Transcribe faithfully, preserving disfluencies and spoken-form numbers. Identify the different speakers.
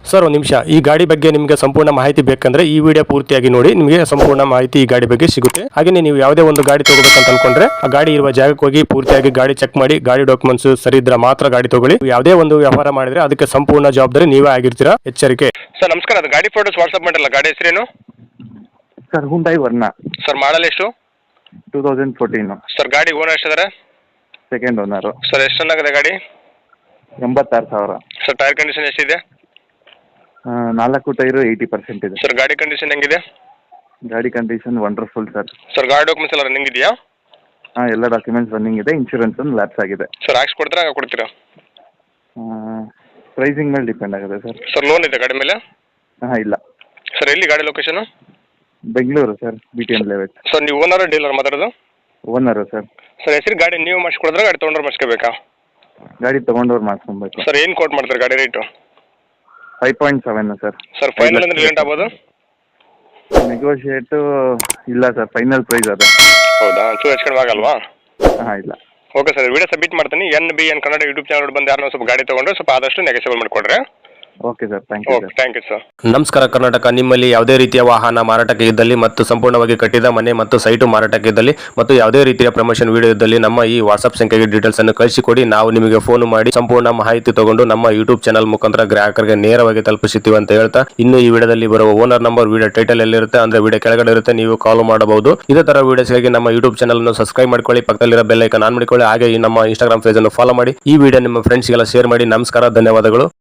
Speaker 1: Sir ಒಂದು ನಿಮಿಷ, ಈ ಗಾಡಿ ಬಗ್ಗೆ ನಿಮಗೆ ಸಂಪೂರ್ಣ ಮಾಹಿತಿ ಬೇಕಂದ್ರೆ ಈ ವಿಡಿಯೋ ಪೂರ್ತಿಯಾಗಿ ನೋಡಿ, ನಿಮಗೆ ಸಂಪೂರ್ಣ ಮಾಹಿತಿ ಈ ಗಾಡಿ ಬಗ್ಗೆ ಸಿಗುತ್ತೆ. ಹಾಗೆ ನೀವು ಯಾವುದೇ ಒಂದು ಗಾಡಿ ತಗೋಬೇಕಂತ ಅನ್ಕೊಂಡ್ರೆ ಆ ಗಾಡಿ ಇರುವ ಜಾಗಕ್ಕೆ ಹೋಗಿ ಪೂರ್ತಿಯಾಗಿ ಗಾಡಿ ಚೆಕ್ ಮಾಡಿ, ಗಾಡಿ ಡಾಕ್ಯುಮೆಂಟ್ಸ್ ಸರಿ ಇದ್ರೆ ಮಾತ್ರ ಗಾಡಿ ತಗೊಳ್ಳಿ. ಯಾವುದೇ ಒಂದು ವ್ಯವಹಾರ ಮಾಡಿದ್ರೆ ಅದಕ್ಕೆ ಸಂಪೂರ್ಣ ಜವಾಬ್ದಾರಿ ನೀವೇ ಆಗಿರ್ತೀರಾ, ಎಚ್ಚರಿಕೆ. ಸರ್ ನಮಸ್ಕಾರ, ಅದು ಗಾಡಿ ಫೋಟೋಸ್ ವಾಟ್ಸ್ಆಪ್ ಮಾಡಿರಲ್ಲ, ಗಾಡಿ ಹೆಸರೇನು
Speaker 2: sir? Hyundai Verna
Speaker 1: sir, model ಎಷ್ಟು?
Speaker 2: Two thousand fourteen
Speaker 1: sir. ಗಾಡಿ ಓನರ್ ಎಷ್ಟಿದ್ದಾರೆ?
Speaker 2: Second owner.
Speaker 1: ಸರ್ ಎಷ್ಟು ಚೆನ್ನಾಗಿದೆ ಗಾಡಿ?
Speaker 2: ಎಂಬತ್ತಾರು ಸಾವಿರ.
Speaker 1: ಸರ್ ಟೈರ್ ಕಂಡೀಷನ್ ಎಷ್ಟಿದೆ?
Speaker 2: ಆ, ನಾಲ್ಕು ಟೈರು ಏಯ್ಟಿ ಪರ್ಸೆಂಟ್ ಇದೆ.
Speaker 1: ಸರ್ ಗಾಡಿ ಕಂಡೀಷನ್ ಹೆಂಗಿದೆ?
Speaker 2: ಗಾಡಿ ಕಂಡೀಷನ್ ವಂಡರ್ಫುಲ್ ಸರ್.
Speaker 1: ಸರ್ ಗಾಡಿ ಡಾಕ್ಯುಮೆಂಟ್ಸ್ ಎಲ್ಲ ರನ್ನಿಂಗ್ ಇದೆಯಾ?
Speaker 2: ಹಾಂ, ಎಲ್ಲ ಡಾಕ್ಯುಮೆಂಟ್ಸ್ ರನ್ನಿಂಗ್ ಇದೆ. ಇನ್ಶೂರೆನ್ಸ್ ಒಂದು ಲ್ಯಾಪ್ಸ್ ಆಗಿದೆ.
Speaker 1: ಸರ್ ಹಾಕ್ಸಿ ಕೊಡ್ತೀರಾ, ಹಾಗೆ ಕೊಡ್ತೀರಾ?
Speaker 2: ಪ್ರೈಸಿಂಗ್ ಮೇಲೆ ಡಿಪೆಂಡ್ ಆಗುತ್ತೆ ಸರ್.
Speaker 1: ಸರ್ ಲೋನ್ ಇದೆ ಗಾಡಿ ಮೇಲೆ?
Speaker 2: ಹಾಂ, ಇಲ್ಲ
Speaker 1: ಸರ್. ಎಲ್ಲಿ ಗಾಡಿ location?
Speaker 2: Bengaluru sir, B T M layout.
Speaker 1: Sir ನೀವು ಓನರ್ ಡೀಲರ್ ಮಾತಾಡೋದು?
Speaker 2: Owner sir.
Speaker 1: ಸರ್ ಹೆಸರು ಗಾಡಿ ನೀವು ಮಾಡಿಸ್ಕೊಡಿದ್ರೆ ಗಾಡಿ ತೊಗೊಂಡ್ರೆ ಮಾಡಿಸ್ಕೋಬೇಕಾ?
Speaker 2: ಗಾಡಿ ತೊಗೊಂಡವ್ರು ಮಾಡಿಸ್ಕೊಬೇಕು.
Speaker 1: ಸರ್ ಏನು ಕೋಟ್ ಮಾಡ್ತಾರೆ ಗಾಡಿ rate?
Speaker 2: Five point seven sir.
Speaker 1: Sir final ಅಂದ್ರೆ ಲೇಟ್ ಆಗ್ಬೋದು?
Speaker 2: ನೆಗೋಷಿಯೇಟು ಇಲ್ಲ ಸರ್, ಫೈನಲ್ ಪ್ರೈಸ್ ಅದು.
Speaker 1: ಹೌದಾ? ಚೂರು ಹೆಚ್ಚು ಕಡಿಮೆ ಆಗಲ್ವಾ?
Speaker 2: ಹಾಂ, ಇಲ್ಲ.
Speaker 1: ಓಕೆ ಸರ್, ವಿಡಿಯೋ ಸಬ್ಮಿಟ್ ಮಾಡ್ತೀನಿ. N B N Kannada YouTube channel ಬಂದು ಯಾರನ್ನ ಸ್ವಲ್ಪ ಗಾಡಿ ತೊಗೊಂಡ್ರೆ ಸ್ವಲ್ಪ ಆದಷ್ಟು ನೆಗೆಸಿಬಲ್ ಮಾಡಿಕೊಡ್ರೆ.
Speaker 2: Okay sir, thank you.
Speaker 1: Okay, thank you sir. ನಮಸ್ಕಾರ ಕರ್ನಾಟಕ. ನಿಮ್ಮಲ್ಲಿ ಯಾವುದೇ ರೀತಿಯ ವಾಹನ ಮಾರಾಟಕ್ಕೆ ಇದ್ದಲ್ಲಿ ಮತ್ತು ಸಂಪೂರ್ಣವಾಗಿ ಕಟ್ಟಿದ ಮನೆ ಮತ್ತು ಸೈಟು ಮಾರಾಟಕ್ಕೆ ಇದ್ದಲ್ಲಿ ಮತ್ತು ಯಾವುದೇ ರೀತಿಯ ಪ್ರಮೋಷನ್ ವಿಡಿಯೋ ಇದ್ದಲ್ಲಿ ನಮ್ಮ ಈ ವಾಟ್ಸ್ಆಪ್ ಸಂಖ್ಯೆಗೆ ಡೀಟೇಲ್ಸ್ ಅನ್ನು ಕಳಿಸಿಕೊಡಿ. ನಾವು ನಿಮಗೆ ಫೋನ್ ಮಾಡಿ ಸಂಪೂರ್ಣ ಮಾಹಿತಿ ತಗೊಂಡು ನಮ್ಮ ಯೂಟ್ಯೂಬ್ ಚಾನಲ್ ಮುಖಾಂತರ ಗ್ರಾಹಕರಿಗೆ ನೇರವಾಗಿ ತಲುಪಿಸುತ್ತೀವಿ ಅಂತ ಹೇಳ್ತಾ, ಇನ್ನು ಈ ವಿಡಿಯೋದಲ್ಲಿ ಬರುವ ಓನರ್ ನಂಬರ್ ವಿಡಿಯೋ ಟೈಟಲ್ ಎಲ್ಲಿರುತ್ತೆ ಅಂದ್ರೆ ವಿಡಿಯೋ ಕೆಳಗಡೆ ಇರುತ್ತೆ, ನೀವು ಕಾಲ್ ಮಾಡಬಹುದು. ಇದೇ ತರ ವಿಡಿಯೋಸ್ಗಾಗಿ ನಮ್ಮ ಯೂಟ್ಯೂಬ್ ಚಾನಲ್ ಅನ್ನು ಸಬ್ಸ್ಕ್ರೈಬ್ ಮಾಡ್ಕೊಳ್ಳಿ, ಪಕ್ಕದಲ್ಲಿರೋ ಬೆಲ್ ಐಕಾನ್ ಆನ್ ಮಾಡಿಕೊಳ್ಳಿ. ಹಾಗೆ ಈ ನಮ್ಮ ಇನ್ಸ್ಟಾಗ್ರಾಮ್ ಪೇಜ್ ಅನ್ನು ಫಾಲೋ ಮಾಡಿ. ಈ ವಿಡಿಯೋ ನಿಮ್ಮ ಫ್ರೆಂಡ್ಸ್ಗೆಲ್ಲ ಶೇರ್ ಮಾಡಿ. ನಮಸ್ಕಾರ, ಧನ್ಯವಾದಗಳು.